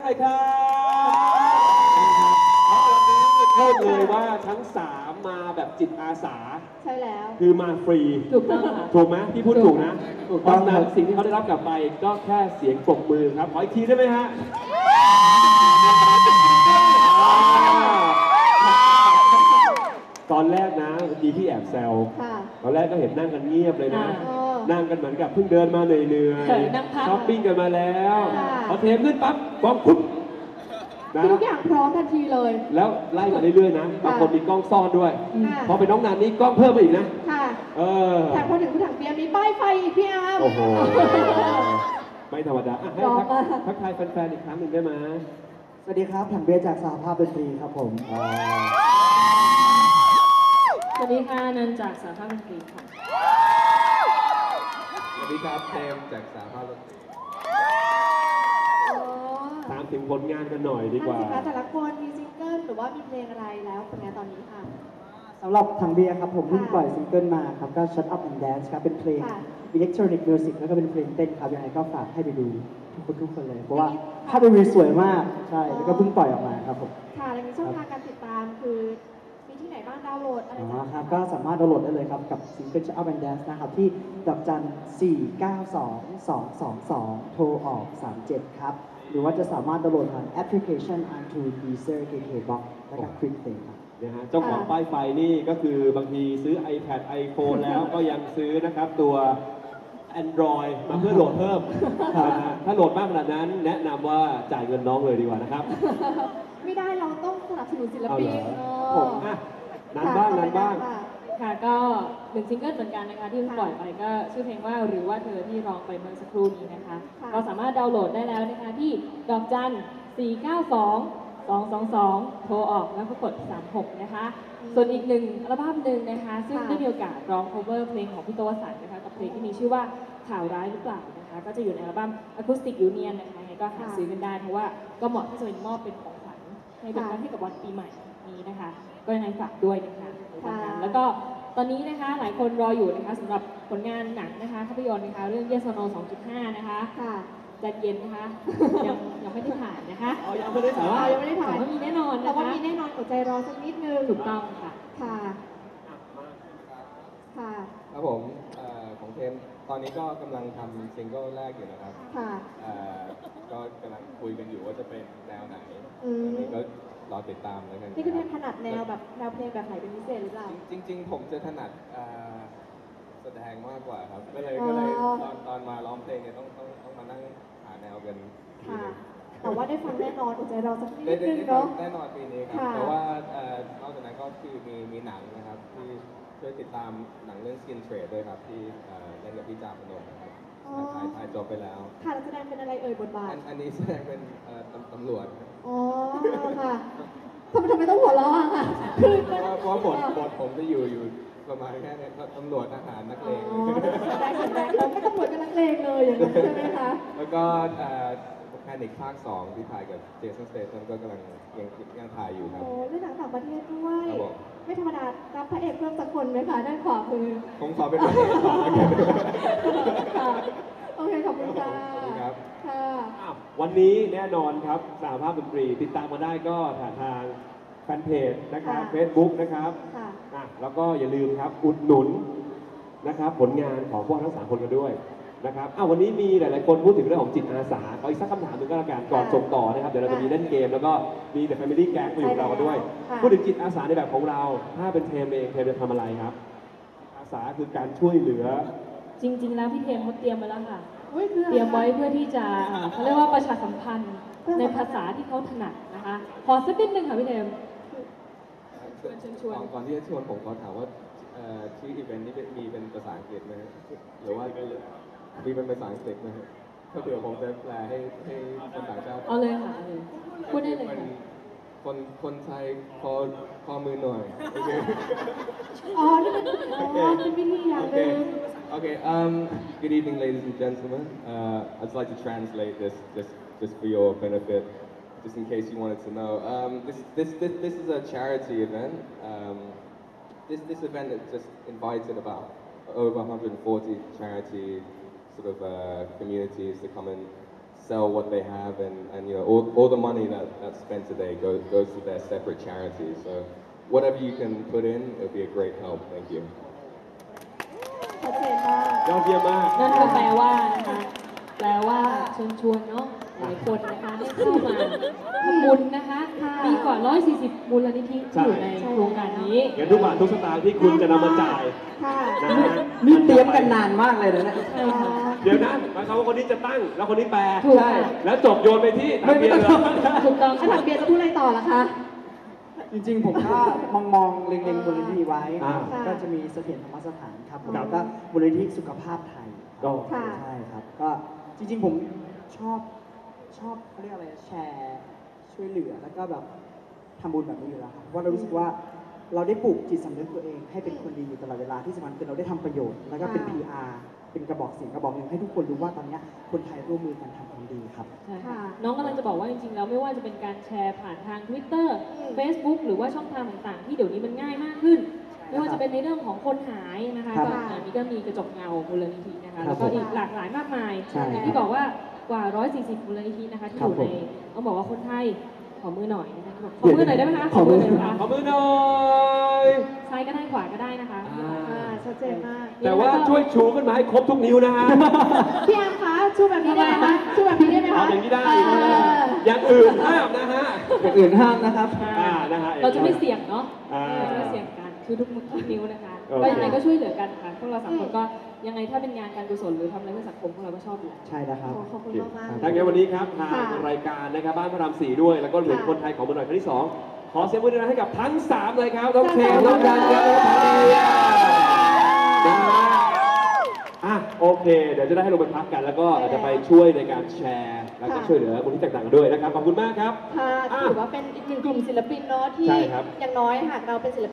น่อยครับวันนี้พูดเลยว่าทั้ง3มาแบบจิตอาสาใช่แล้วคือมาฟรีถูกต้องค่ะถูกไหมพี่พูดถูกนะเพราะฉะนั้นสิ่งที่เขาได้รับกลับไปก็แค่เสียงปรบมือครับขออีกทีได้ไหมฮะตอนแรกนะเมื่อกี้พี่แอบแซวตอนแรกก็เห็นนั่งกันเงียบเลยนะนั่งกันเหมือนกับเพิ่งเดินมาเหนื่อยๆช้อปปิ้งกันมาแล้วพอเทปขึ้นปั๊บกล้องปุ๊บทุกอย่างพร้อมทันทีเลยแล้วไล่มาเรื่อยๆนะบางคนมีกล้องซ่อนด้วยพอเป็นน้องนันนี่กล้องเพิ่มมาอีกนะแต่พอถึงผู้ถังเบียร์มีป้ายไฟอีกพี่อาร์มโอ้โหไม่ธรรมดาให้ทักทายแฟนๆอีกครั้งหนึ่งได้ไหมสวัสดีครับถังเบียร์จากสหภาพดนตรีครับผมสวัสดีค่ะนันจากสหภาพดนตรีค่ะสวัสดีครับเจมจากสหภาพดนตรีถามถึงผลงานกันหน่อยดีกว่าแต่ละคนมีซิงเกิลหรือว่ามีเพลงอะไรแล้วผลงานตอนนี้ค่ะสำหรับถังเบียร์ครับผมเพิ่งปล่อยซิงเกิลมาครับก็ Shut Up and Dance ครับเป็นเพลงอิเล็กทรอนิกส์มิวสิกแล้วก็เป็นเพลงเต้นครับยังไงก็ฝากให้ไปดูทุกคนเลยเพราะว่าภาพวิวสวยมากใช่แล้วก็เพิ่งปล่อยออกมาครับผมค่ะแล้วมีช่องทางการติดตามคือมีที่ไหนบ้างดาวน์โหลดอะไรครับก็สามารถดาวน์โหลดได้เลยครับกับซิงเกิล Shut Up and Dance นะครับที่ดอกจัน4922222โทรออก37ครับหรือว่าจะสามารถดาวน์โหลดผ่านแอปพลิเคชัน iTunes Deezer KKBox และก็ Quick Play ครับนะฮะเจ้าของป้ายไฟนี่ก็คือบางทีซื้อ iPad iPhone แล้วก็ยังซื้อนะครับตัว Android มาเพื่อโหลดเพิ่มถ้าโหลดมากขนาดนั้นแนะนำว่าจ่ายเงินน้องเลยดีกว่านะครับไม่ได้เราต้องสนับสนุนศิลปินผมนั้นบ้างค่ะก็1ซิงเกิลเหมือนกันนะคะที่ปล่อยไปก็ชื่อเพลงว่าหรือว่าเธอที่ร้องไปเมื่อสักครู่นี้นะคะก็สามารถดาวน์โหลดได้แล้วนะคะที่ดอกจัน4922222โทรออกแล้วก็กด36นะคะส่วนอีกหนึ่งอัลบั้มหนึ่งนะคะซึ่งได้มีโอกาสร้อง cover เพลงของพี่โตวสันต์นะคะกับเพลงที่มีชื่อว่าข่าวร้ายหรือเปล่านะคะก็จะอยู่ในอัลบั้ม Acoustic Union นะคะยังไงก็หาซื้อกันได้เพราะว่าก็เหมาะที่จะเป็นมอบเป็นของขวัญให้เป็นวันให้กับวันปีใหม่นี้นะคะก็ยังไงฝากด้วยนะคะแล้วก็ตอนนี้นะคะหลายคนรออยู่นะคะสำหรับผลงานหนังนะคะภาพยนตร์นะคะเรื่อง Yes or No 2.5 นะคะจัดเย็นนะคะยังไม่ได้ถ่ายนะคะยังไม่ได้ถ่ายยังไม่ได้ถ่ายแต่ว่ามีแน่นอนนะคะแต่ว่ามีแน่นอนอดใจรอสักนิดนึงถูกต้องค่ะครับผมของเทมตอนนี้ก็กำลังทำซิงเกิลแรกอยู่นะครับก็กำลังคุยกันอยู่ว่าจะเป็นแนวไหนอันนี้ก็รอติดตามแล้วกันนี่คือเทมถนัดแนวแบบแนวเพลงแบบไหนเป็นพิเศษหรือเปล่าจริงๆผมจะถนัดแสดงมากกว่าครับก็เลยตอนมาร้องเพลงเนี่ยต้องมานั่งหาแนวกันแต่ว่าได้ฟังแน่นอนอดใจรอสักนิดนึงเนาะแน่นอนปีนี้ครับแต่ว่านอกจากนั้นก็คือมีหนังนะครับที่ช่วยติดตามหนังเรื่อง Skin Trade ด้วยครับที่เล่นกับพี่จาพนมนะครับถ่ายจบไปแล้วค่ะแสดงเป็นอะไรเอ่ยบทบาทอันนี้แสดงเป็นตำรวจอ๋อค่ะทำไมต้องหัวเราะค่ะเพราะบทผมจะอยู่ประมาณแค่นี้ตำรวจทหารนักเลงได้เราไม่ตำรวจกับนักเลงเลยอย่างนั้นใช่ไหมคะแล้วก็แพนิคภาค 2ที่ถ่ายกับเจสัน สเตทัมก็กำลังยังถ่ายอยู่ครับโอ้เล่นหนังต่างประเทศด้วยไม่ธรรมดารับพระเอกเพิ่มสักคนไหมคะด้านขวามือผมขอเป็นพระเอกก่อนค่ะโอเคขอบคุณค่ะค่ะวันนี้แน่นอนครับสหภาพดนตรีติดตามมาได้ก็ทางแฟนเพจนะครับ Facebook นะครับแล้วก็อย่าลืมครับอุดหนุนนะครับผลงานของพวกทั้ง3คนกันด้วยนะครับวันนี้มีหลายๆคนพูดถึงเรื่องของจิตอาสาขออีกสักคำถามหนึ่งก็แล้วกันก่อนส่งต่อนะครับเดี๋ยวเราจะมีเล่นเกมแล้วก็มี The Family Gang มาอยู่กับเราด้วยพูดถึงจิตอาสาในแบบของเราถ้าเป็นเทมเองเทมจะทำอะไรครับอาสาคือการช่วยเหลือจริงๆแล้วพี่เทมเขาเตรียมไว้แล้วค่ะเตรียมไว้เพื่อที่จะเขาเรียกว่าประชาสัมพันธ์ในภาษาที่เขาถนัดนะคะขอสักนิดนึงค่ะพี่เทมก่อนที่จะชวนผมขอถามว่าที่อีเวนต์นี้มีเป็นภาษาอังกฤษไหมหรือว่ามีเป็นภาษาอังกฤษไหมถ้าเผื่อผมจะแปลให้คนต่างชาติเอาเลยค่ะพูดได้เลยคนไทยขอมือหน่อยอ๋อนี่เป็นวิธีอย่างหนึ่ง Okay, good evening, ladies and gentlemen. I'd like to translate this just for your benefit, just in case you wanted to know. This is a charity event. This event has just invited about over 140 charity sort of communities to come and sell what they have, and you know, all the money that's spent today goes to their separate charities. So whatever you can put in, it'll be a great help. Thank you. ชัดเจนมากยอดเยี่ยมมากนั่นก็แปลว่านะคะแปลว่าเชิญชวนเนาะหลายคนนะคะให้เข้ามาทำบุญนะคะค่ะมีกว่า 140 มูลนิธิที่อยู่ในโครงการนี้เงินทุกบาททุกสตางค์ที่คุณจะนำมาจ่ายค่ะนะฮะนี่เตรียมกันนานมากเลยนะเนี่ยใช่ค่ะเดี๋ยวนะหมายความว่าคนนี้จะตั้งแล้วคนนี้แปลถูกค่ะแล้วจบโยนไปที่ทางเบียร์เลยถูกต้องถ้าถามเบียร์จะพูดอะไรต่อล่ะคะจริงๆ ผมก็มองเล็งๆมูลนิธิไว้อ่าก็จะมีเสถียรธรรมสถานครับผมครับแล้วก็มูลนิธิสุขภาพไทยก็ค่ะใช่ครับ ก็จริงๆ ผมชอบเขาเรียกอะไรแชร์ช่วยเหลือแล้วก็แบบทำบุญแบบนี้อยู่แล้วครับเพราะเรารู้สึกว่าเราได้ปลูกจิตสำนึกตัวเองให้เป็นคนดีอยู่ตลอดเวลาที่สำคัญคือเราได้ทำประโยชน์แล้วก็เป็นค่ะ PR เป็นกระบอกเสียงกระบอกหนึ่งให้ทุกคนรู้ว่าตอนเนี้ยคนไทยร่วมมือกันทำความดีครับใช่ค่ะค่ะน้องกำลังจะบอกว่าจริงๆแล้วไม่ว่าจะเป็นการแชร์ผ่านทาง Twitter อืม Facebook หรือว่าช่องทางต่างๆ ที่เดี๋ยวนี้มันง่ายมากขึ้น ไม่ว่าจะเป็นในเรื่องของคนหายนะคะครับก็อันนี้ก็มีกระจกเงามูลนิธินะคะครัแล้บวก็อีกหลากหลายมากมายใช่อย่างที่บอกว่ากว่า 140 มูลนิธินะคะที่ครัอบ ยู่ในผมต้องบอกว่าคนไทยขอมือหน่อยนะคะขอมือหน่อยได้ไหมคะขอมือหน่อยนะคะขอมือหน่อยซ้ายก็ได้ขวาก็ได้นะคะอ่าชัดเจนมากแต่ว่าช่วยชูขึ้นมาให้ครบทุกนิ้วนะฮะพี่แอมคะชูแบบนี้ได้ไหมคะชูแบบนี้ได้ไหมเอาคะอย่างนี้ได้เอออย่างอื่นห้ามนะฮะอย่างอื่นห้ามนะครับนะฮะเราจะไม่เสี่ยงเนาะอ่าเราจะไม่เสี่ยงกันคือทุกมือทุกนิ้วนะคะโอเคก็ยังไงก็ช่วยเหลือกันค่ะพวกเราสามคนก็ยังไงถ้าเป็นงานการกุศลหรือทำอะไรเพื่อสังคมพวกเราก็ชอบอยู่แล้วใช่แล้วครับขอบคุณมากๆทั้งนี้วันนี้ครับทางค่ะรายการนะครับบ้านพระราม4ด้วย แล้วก็เหลือค่ะคนไทยของมือหน่อยครั้งที่ 2 ขอเสียงมือหน่อยให้กับทั้ง 3 เลยครับน้องค่ะเชนน้องกันครับน้องทานีนะฮะอ่ะโอเค เดี๋ยวจะได้ให้ลงไปพักกัน แล้วก็อาจจะไปช่วยในการแชร์ แล้วก็ช่วยเหลือมูลนิธิต่างๆด้วยนะครับ ขอบคุณมากครับค่ะอ่ะถือว่าเป็นอีกหนึ่งกลุ่มศิลปินเนาะที่ใช่ครับอย่างน้อยหากเราเป็นศิลปิน